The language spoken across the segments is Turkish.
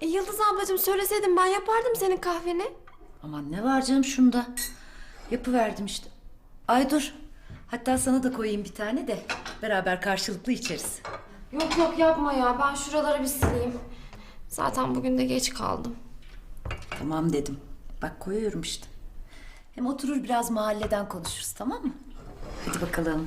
Yıldız ablacığım söyleseydin ben yapardım senin kahveni. Aman ne var canım şunda. Yapıverdim işte. Ay dur. Hatta sana da koyayım bir tane de beraber karşılıklı içeriz. Yok yok yapma ya, ben şuraları bir sileyim. Zaten bugün de geç kaldım. Tamam dedim. Bak koyuyorum işte. Hem oturur biraz mahalleden konuşuruz, tamam mı? Hadi bakalım.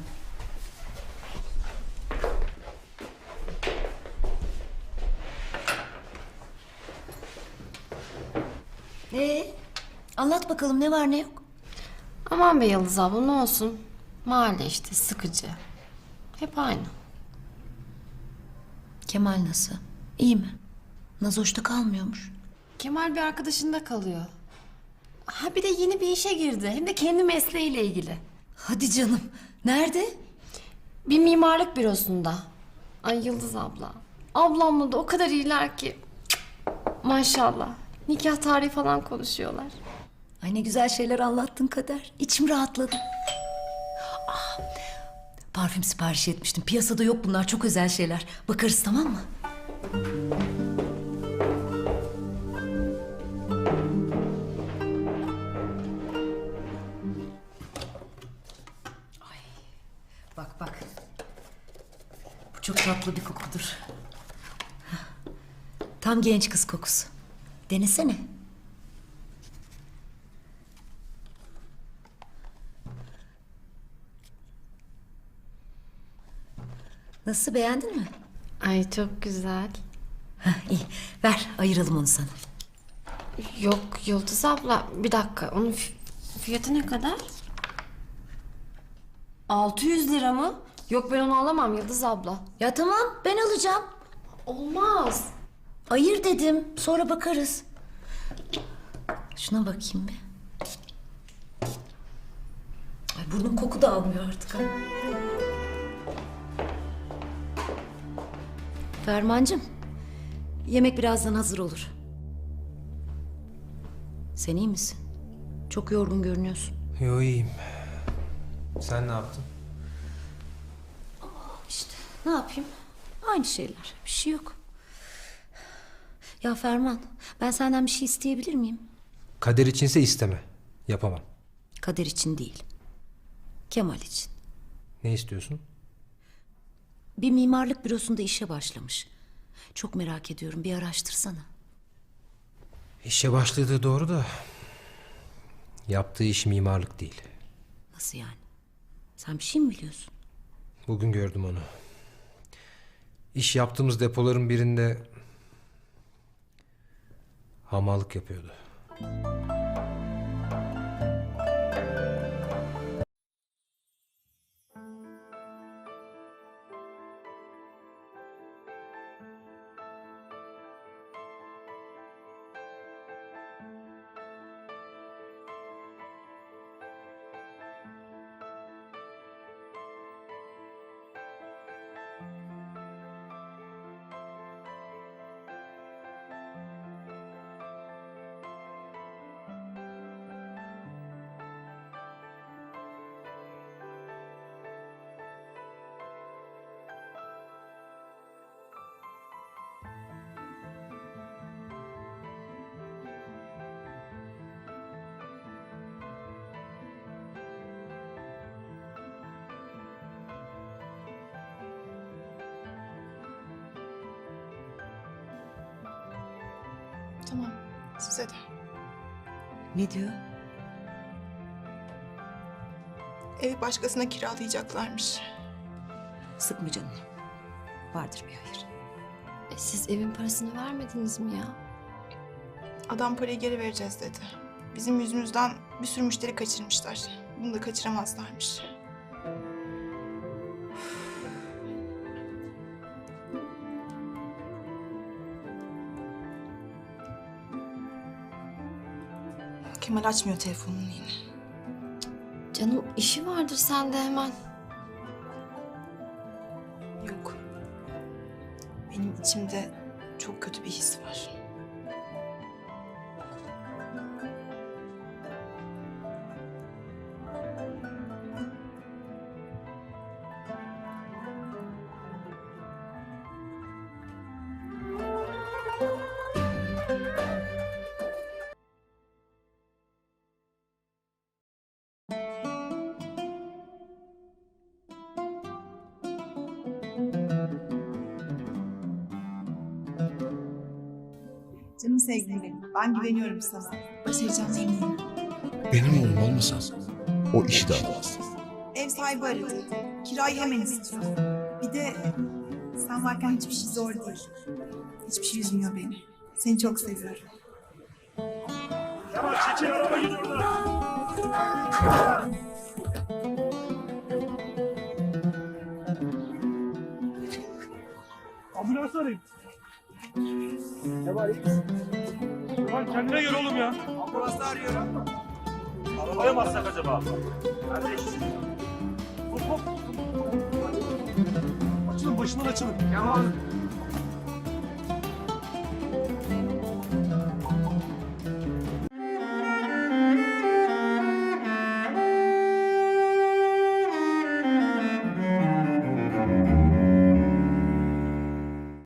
Anlat bakalım ne var ne yok. Aman be Yıldız abla, ne olsun. Mahalle işte, sıkıcı. Hep aynı. Kemal nasıl? İyi mi? Nazoş'ta kalmıyormuş. Kemal bir arkadaşında kalıyor. Ha bir de yeni bir işe girdi. Hem de kendi mesleğiyle ilgili. Hadi canım. Nerede? Bir mimarlık bürosunda. Ay Yıldız abla. Ablamla da o kadar iyiler ki. Cık, maşallah. Nikah tarihi falan konuşuyorlar. Ay ne güzel şeyler anlattın Kader. İçim rahatladı. Parfüm sipariş etmiştim. Piyasada yok bunlar. Çok özel şeyler. Bakarız tamam mı? Ay, bak bak. Bu çok tatlı bir kokudur. Tam genç kız kokusu. Denesene. Nasıl, beğendin mi? Ay çok güzel. Hah, iyi. Ver ayıralım onu sana. Yok Yıldız abla, bir dakika. Onun fiyatı ne kadar? 600 lira mı? Yok ben onu alamam Yıldız abla. Ya tamam ben alacağım. Olmaz. Ayır dedim. Sonra bakarız. Şuna bakayım bir. Ay burnum koku da almıyor artık. Ha. Fermancığım. Yemek birazdan hazır olur. Sen iyi misin? Çok yorgun görünüyorsun. Yo iyiyim. Sen ne yaptın? İşte ne yapayım? Aynı şeyler. Bir şey yok. Ya Ferman, ben senden bir şey isteyebilir miyim? Kader içinse isteme. Yapamam. Kader için değil. Kemal için. Ne istiyorsun? Bir mimarlık bürosunda işe başlamış. Çok merak ediyorum. Bir araştırsana. İşe başladığı doğru da yaptığı iş mimarlık değil. Nasıl yani? Sen bir şey mi biliyorsun? Bugün gördüm onu. İş yaptığımız depoların birinde hamallık yapıyordu. Tamam, size de. Ne diyor? Evi başkasına kiralayacaklarmış. Sıkma canını. Vardır bir hayır. Siz evin parasını vermediniz mi ya? Adam parayı geri vereceğiz dedi. Bizim yüzümüzden bir sürü müşteri kaçırmışlar. Bunu da kaçıramazlarmış. Kemal açmıyor telefonunu yine. Canım işi vardır sende hemen. Yok. Benim içimde çok kötü bir his var. sevgilim benim. Ben güveniyorum sana. Başaracağına eminim. Benim oğlum olmasa o işi de almaz. Ev sahibi aradı. Kirayı hemen istiyor. Bir de sen varken hiçbir şey zor değil. Hiçbir şey üzmüyor beni. Seni çok seviyorum. Tamam, çekil, araba gidiyor orada. Ambulans arayayım. Ne var, iyi misin? Ulan kendine gel oğlum ya. Ambulansı arıyorum. Arabaya mı atsak acaba? Kardeş. Hop hop. Açılın, başından açılın. Tamam.